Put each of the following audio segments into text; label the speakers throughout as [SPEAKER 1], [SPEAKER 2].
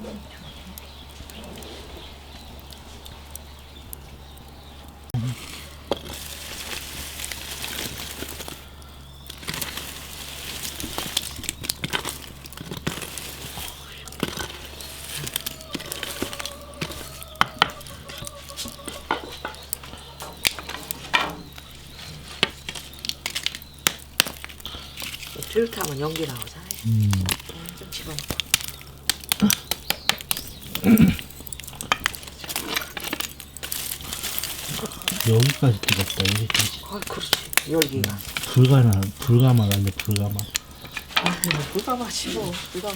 [SPEAKER 1] 이렇게 하면 연기 나오잖아요. 좀 집어넣고.
[SPEAKER 2] 여기까지 뜨겁다. 여기까지.
[SPEAKER 1] 아, 그렇지. 열기가.
[SPEAKER 2] 불가마간데 불가마.
[SPEAKER 1] 아, 불가마지 뭐. 불가마.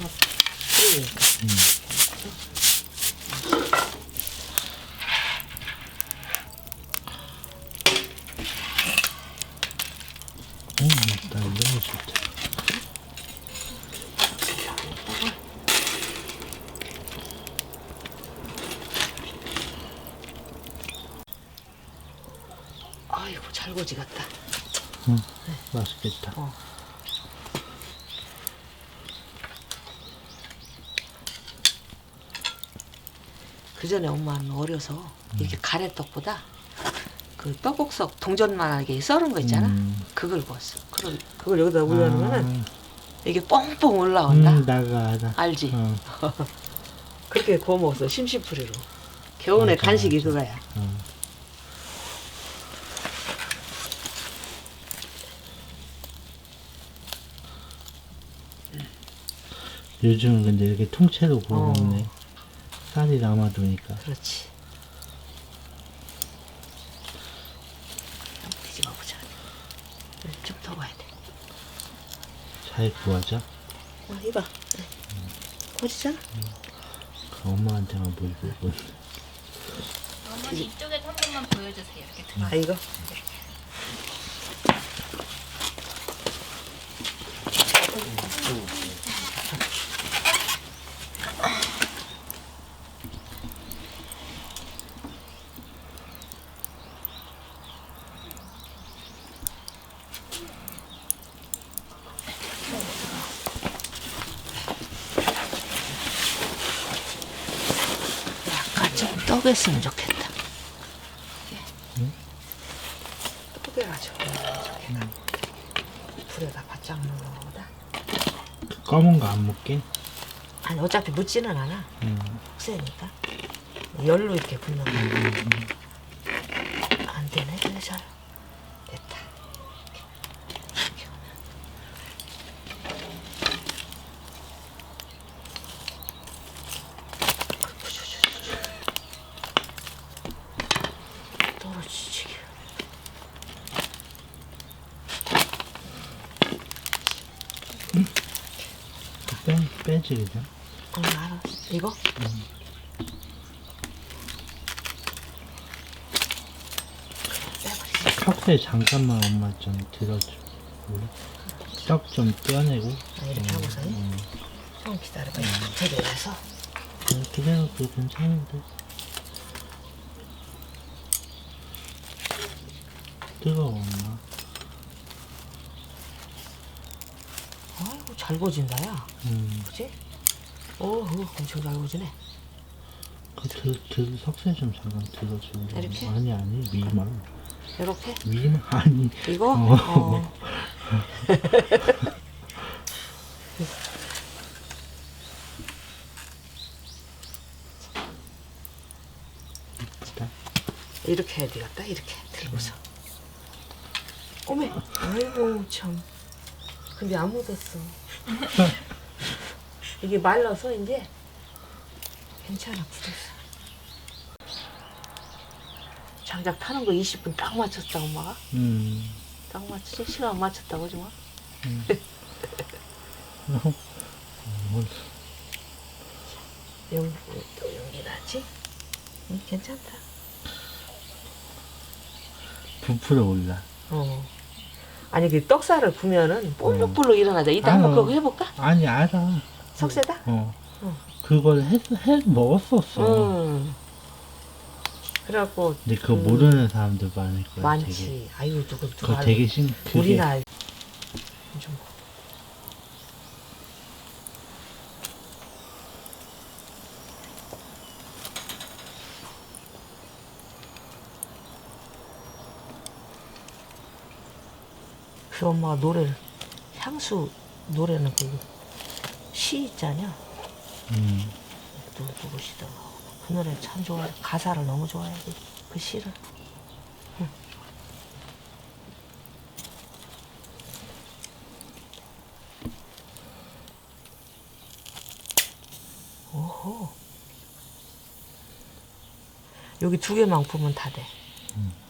[SPEAKER 2] 나 이런 거 좋다.
[SPEAKER 1] 아이고, 잘 고지 같다.
[SPEAKER 2] 응, 맛있겠다.
[SPEAKER 1] 그 전에 엄마는 어려서 이렇게 가래떡보다 그 떡국석 동전만하게 썰은 거 있잖아. 그걸 구웠어. 그걸 여기다 올려놓으면은 이게 뻥뻥 올라온다.
[SPEAKER 2] 나가 알아.
[SPEAKER 1] 알지?
[SPEAKER 2] 어.
[SPEAKER 1] 그렇게 구워 먹었어. 심심풀이로. 겨우내
[SPEAKER 2] 맞아,
[SPEAKER 1] 간식이
[SPEAKER 2] 맞아.
[SPEAKER 1] 그거야.
[SPEAKER 2] 요즘은 근데 이렇게 통째로 구워 먹네. 쌀이 남아도니까.
[SPEAKER 1] 그렇지. 한번 뒤집어 보자. 좀 더 봐야 돼.
[SPEAKER 2] 잘 구워져?
[SPEAKER 1] 이봐. 고지잖아.
[SPEAKER 2] 그 엄마한테만 보이고.
[SPEAKER 3] 어머니 이쪽에서 한 번만 보여주세요. 이렇게 들어.
[SPEAKER 1] 아, 이거? 약간 좀 떡했으면 좋겠다. 떡해가지고 좋겠다. 불에다 바짝 넣는 거보다.
[SPEAKER 2] 그 검은 거 안 먹게?
[SPEAKER 1] 아니, 어차피 묻지는 않아. 혹세니까. 열로 이렇게 굽는 거. 안 되네. 근데 잘 됐다. 떨어지지.
[SPEAKER 2] 빼지 그냥.
[SPEAKER 1] 알아. 이거? 빼버리지.
[SPEAKER 2] 석쇠 잠깐만 엄마 좀 들어줘. 떡 좀 떼어내고.
[SPEAKER 1] 이렇게 하고서 좀 기다려봐. 이렇게 내려서.
[SPEAKER 2] 그대로 그 괜찮은데. 뜨거워 엄마.
[SPEAKER 1] 아이고, 잘 고진다, 야. 그치? 오우, 엄청 잘 고지네.
[SPEAKER 2] 석쇠 좀 잠깐 들어줘.
[SPEAKER 1] 이렇게?
[SPEAKER 2] 아니 위만.
[SPEAKER 1] 이렇게?
[SPEAKER 2] 위만 아니.
[SPEAKER 1] 이거? 이렇게 해야 되겠다. 이렇게 들고서. 어메, 아이고 참. 근데 안 묻었어. 이게 말라서 이제 괜찮아. 굳었어. 장작 타는 거 20분 딱 맞췄다 엄마가. 딱 맞추지? 시간 맞췄다고 하지 마. 또 연기 나지? 괜찮다.
[SPEAKER 2] 부풀어 올라.
[SPEAKER 1] 아니 그 떡살을 구면은 볼록볼록 일어나자. 이따 한번 그거 해볼까?
[SPEAKER 2] 아니 알아.
[SPEAKER 1] 석쇠다?
[SPEAKER 2] 그걸 해 먹었었어.
[SPEAKER 1] 그래갖고.
[SPEAKER 2] 근데 그거 모르는 사람들 많을 거야.
[SPEAKER 1] 많지.
[SPEAKER 2] 되게.
[SPEAKER 1] 아유 누구
[SPEAKER 2] 그거 되게 그게
[SPEAKER 1] 우리나 알. 좀. 그 엄마가 노래를 향수 노래는 그 시 있잖냐. 누구시더라. 그 노래 참 좋아해. 가사를 너무 좋아해. 그 시를. 응. 오호. 여기 두 개만 보면 다 돼.